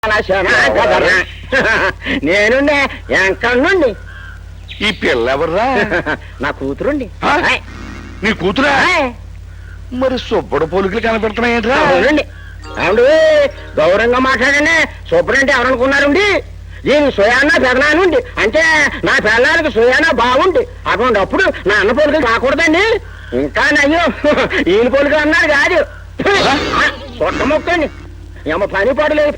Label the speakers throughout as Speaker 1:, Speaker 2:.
Speaker 1: నేనుండే ఎంకన్నుండి.
Speaker 2: ఈ పిల్ల ఎవర్రా?
Speaker 1: నా కూతురుండి.
Speaker 2: నీ కూతురా? మరి సుబ్బడు పోలికలు కనపెడుతున్నాయేంట్రా?
Speaker 1: అవునండి. అవును, గౌరవంగా మాట్లాడండి. సుబ్బడంటే ఎవరనుకున్నారండి? దీని సుయానా పెదనానుండి, అంటే నా పిల్లలకి సుయానా బాగుండి. అటువంటిప్పుడు నా అన్న పోలికలు రాకూడదండి. ఇంకా నయ్యో ఈయన పోలికలు అన్నారు కాదు. సొట్ట మొక్కండి, ఏమో పని పడలేదు.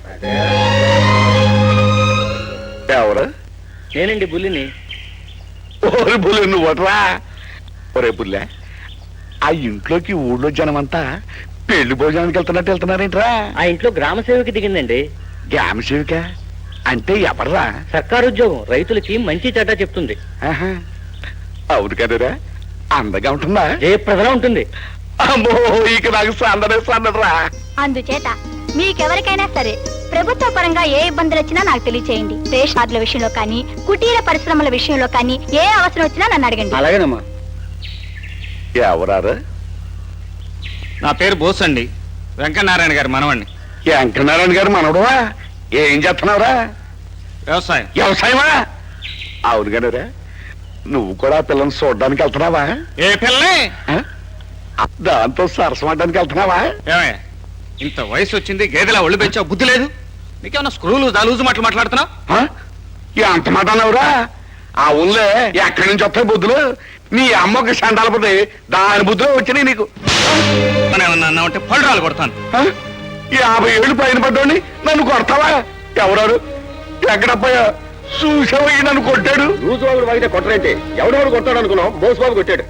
Speaker 2: ఎవరు?
Speaker 1: నేనండి బుల్లిని.
Speaker 2: ఓరి బుల్లి నువ్వట్రా? ఒరే బుల్లె, ఆ ఇంట్లోకి ఊళ్ళో జనమంతా పెళ్లి భోజనానికి వెళ్తున్నారేంట్రా?
Speaker 1: ఆ ఇంట్లో గ్రామ సేవకి దిగిందండి.
Speaker 2: గ్రామ సేవిక అంటే ఎవర్రా?
Speaker 1: సర్కారు ఉద్యోగం, రైతులకి మంచి చెడ్డ చెప్తుంది.
Speaker 2: అవును కదరా, అందగా ఉంటుందా?
Speaker 1: జయప్రదలా ఉంటుంది.
Speaker 2: అమ్మో, ఇక నాకు సందడరా.
Speaker 3: అందుచేత మీకెవరికైనా సరే ప్రభుత్వ పరంగా ఏ ఇబ్బందులు వచ్చినా నాకు తెలియచేయండి. రేషన్ కార్డుల విషయంలో కానీ, కుటీర పరిశ్రమల విషయంలో కానీ ఏ అవసరం వచ్చినా నన్ను అడగండి.
Speaker 1: అలాగేనమ్మా.
Speaker 2: ఎవరారు?
Speaker 4: నా పేరు బోస్ అండి, వెంకటనారాయణ గారి మనవాణ్ణి.
Speaker 2: వెంకటనారాయణ గారు మనవడవా? ఏం చేస్తున్నావురా?
Speaker 4: వ్యవసాయం.
Speaker 2: వ్యవసాయమా? అవును కదరా, నువ్వు కూడా పిల్లల్ని చూడడానికి వెళ్తున్నావా?
Speaker 4: ఏ పిల్లని?
Speaker 2: దాంతో సరసమడ్డానికి వెళ్తున్నావా?
Speaker 4: ఏమయ్య, ఇంత వయసు వచ్చింది, గేదెలా ఒళ్ళు పెంచావు, బుద్ధి లేదు నీకేమన్నా? స్క్రూలు దాలూజు మాటలు మాట్లాడుతున్నావు?
Speaker 2: ఎంత మాట అన్నావురా? ఆ ఊళ్ళే ఎక్కడి నుంచి వస్తాయి బుద్ధులు? నీ అమ్మకి సండాలపోతే దాని బుద్ధులు వచ్చినాయి నీకు.
Speaker 4: మనం ఏమన్నా అన్నావంటే పళ్ళు కొడతాను.
Speaker 2: 50 ఏళ్ళు పైన పడ్డాని నన్ను కొడతావా? ఎవరారు? ఎక్కడపోయా? చూసావయ్యి నన్ను కొట్టాడు.
Speaker 1: రోజు బాబుడు వాగితే కొట్టరేంటి? ఎవడెవడు కొట్టాడు అనుకున్నాం, బోస్ బాబు కొట్టాడు.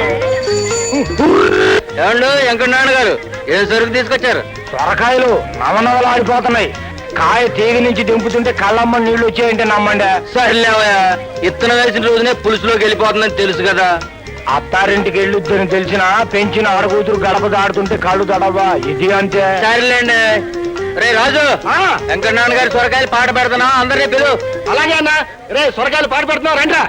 Speaker 1: ఏమండు వెంకటనారాయణ గారు, ఏం సరుకు తీసుకొచ్చారు?
Speaker 5: సొరకాయలు నవనవలాడిపోతున్నాయి. కాయ తీగ నుంచి దింపుతుంటే కళ్ళమ్మ నీళ్లు వచ్చాయంటే నమ్మండి.
Speaker 1: సర్లేవయ్యా, ఇత్తనం వేసిన రోజునే పులుసులోకి వెళ్ళిపోతుందని తెలుసు కదా.
Speaker 5: అత్తారింటికి వెళ్ళొద్దని తెలిసినా పెంచిన ఆడకూతురు గడప దాడుతుంటే కళ్ళు దడవా? ఇది అంతే.
Speaker 1: సరేలేండి. రే రాజు, వెంకటనారాయణ గారి సొరకాయలు పాట పెడుతున్నా, అందరినీ పిలు.
Speaker 5: అలాగే అన్న. రే సొరకాయలు పాటు పెడుతున్నావు రండ్రా.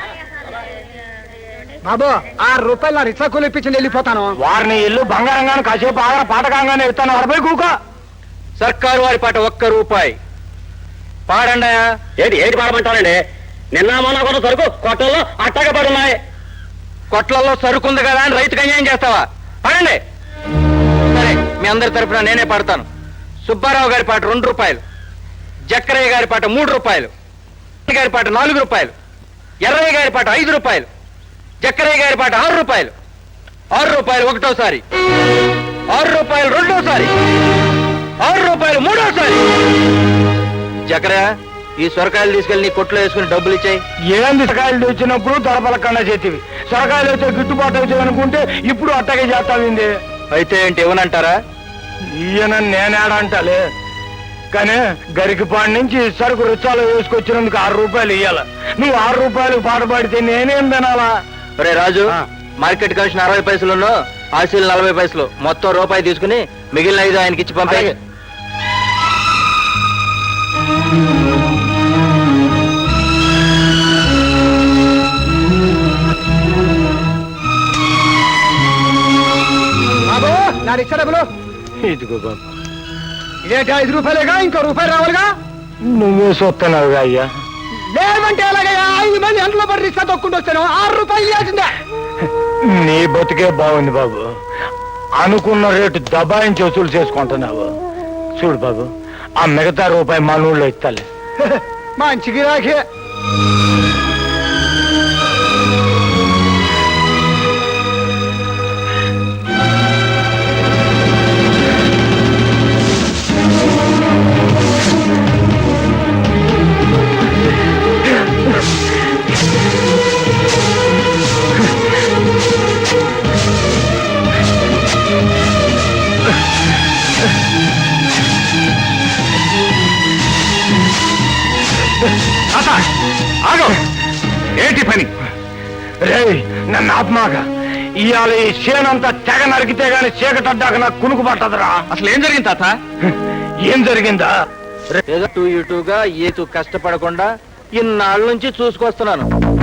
Speaker 5: బాబు, ₹6 నా రిక్షా కూలి ఇప్పించి వెళ్ళిపోతాను. వారిని ఇల్లు బంగారంగానే కాసేపు ఆగర పాటకంగానే ఇస్తాను. 40 కూక.
Speaker 1: సర్కారు వారి పాట ₹1 పాడండి. ఏటి పాడమంటారండి? నిన్న మొన్న కూడా సరుకు కొట్టల్లో అట్టగా పడున్నాయి. కొట్లలో సరుకుంది కదా అని రైతుకు అన్యాయం చేస్తావా? పాడండి. సరే, మీ అందరి తరఫున నేనే పాడతాను. సుబ్బారావు గారి పాట ₹2, జక్కరయ్య గారి పాట ₹3, గారి పాట ₹4, ఎర్రయ్య గారి పాట ₹5, జక్కరయ్య గారి పాట ₹6, ₹6 ఒకటోసారి, ₹6 రెండోసారి, ₹6 మూడోసారి. జక్కరయ్య, ఈ సొరకాయలు తీసుకెళ్లి నీ కొట్లో వేసుకుని డబ్బులు ఇచ్చాయి.
Speaker 5: ఏంది సొరకాయలు తెచ్చినప్పుడు దొరపలకన్నా చేతివి, సొరకాయలు అయితే గిట్టుబాటు అవుతాయి అనుకుంటే ఇప్పుడు అట్టగే చేస్తావింది.
Speaker 1: అయితే ఏంటి ఇవ్వనంటారా?
Speaker 5: ఈయన నేనేడంటలే, కానీ గరికిపాడి నుంచి సరుకు రుచాలు వేసుకొచ్చినందుకు ₹6 ఇయ్యాల. నువ్వు ₹6 పాట పాడితే నేనేం తినాలా?
Speaker 1: రే రాజు, మార్కెట్ కమిషన్ 60 పైసలు, ఆశీలు 40 పైసలు, మొత్తం ₹1 తీసుకుని మిగిలిన 5 ఆయనకి ఇచ్చి పంపాయి.
Speaker 5: బాబు, నా రిక్షా డబ్బులు. ఇదిగో బాబు. ఇదేంటి ₹5 ఇంకో ₹1 రావాలిగా? నువ్వే చూస్తున్నావుగా అయ్యా. లేదంటే ఎలాగయ్యా? 5 మంది ఎంతలో పడి రిక్షా తొక్కుంటూ వచ్చాను. ₹6 ఇవ్వాల్సిందే. నీ బతికే బాగుంది బాబు. అనుకున్న రేటు దబాయించి వసూలు చేసుకుంటున్నావు. చూడు బాబు, ఆ మిగతా ₹1 మా నూళ్ళో ఇస్తాలే. మంచి గిరాకే.
Speaker 2: ఏంటి పని?
Speaker 5: రే, నన్ను ఆత్మాగా ఇవాళ ఈ చేనంతా తెగ నరికితే గాని చీకటడ్డాక నాకు కునుకు పట్టదురా.
Speaker 4: అసలు ఏం జరిగింది తాత?
Speaker 5: ఏం జరిగిందా?
Speaker 1: ఏదో ఇటుగా ఏతు కష్టపడకుండా ఇన్నాళ్ళ నుంచి చూసుకొస్తున్నాను.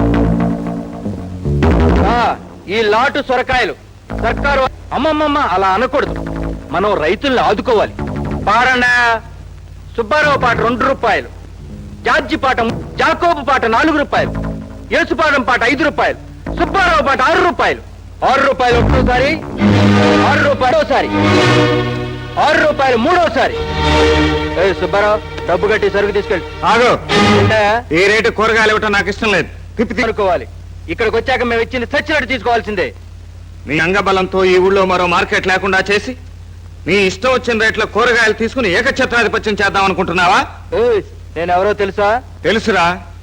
Speaker 1: ఈ లాటు సొరకాయలు సర్కారు అమ్మమ్మమ్మ అలా అనకూడదు. మనం రైతుల్ని ఆదుకోవాలి. పాడండా. సుబ్బారావు పాట 2 రూపాయలు, జార్జి పాట జాకోబు పాట 4 రూపాయలు, యేసుపాదం పాట 5 రూపాయలు, సుబ్బారావు పాట 6 రూపాయలు. 6 రూపాయలు ఒకటోసారి, 6 రూపాయలు ఒకసారి, 6 రూపాయలు మూడోసారి. సుబ్బారావు డబ్బు కట్టి సరుకు తీసుకెళ్ళి.
Speaker 4: ఆగు.
Speaker 1: ఏంటయ్యా?
Speaker 4: ఈ రేటు కూరగాయలు ఇవ్వటం నాకు ఇష్టం లేదు. తిప్పి
Speaker 1: అనుకోవాలి. ఇక్కడికి వచ్చాక మేము ఇచ్చింది సచ్చినట్టు తీసుకోవాల్సిందే.
Speaker 4: నీ అంగబలంతో ఈ ఊళ్ళో మరో మార్కెట్ లేకుండా చేసి నీ ఇష్టం వచ్చిన రేట్లో కూరగాయలు తీసుకుని ఏకఛత్రాధిపత్యం చేద్దాం అనుకుంటున్నావా?
Speaker 1: నేను ఎవరో తెలుసా?
Speaker 4: తెలుసురా.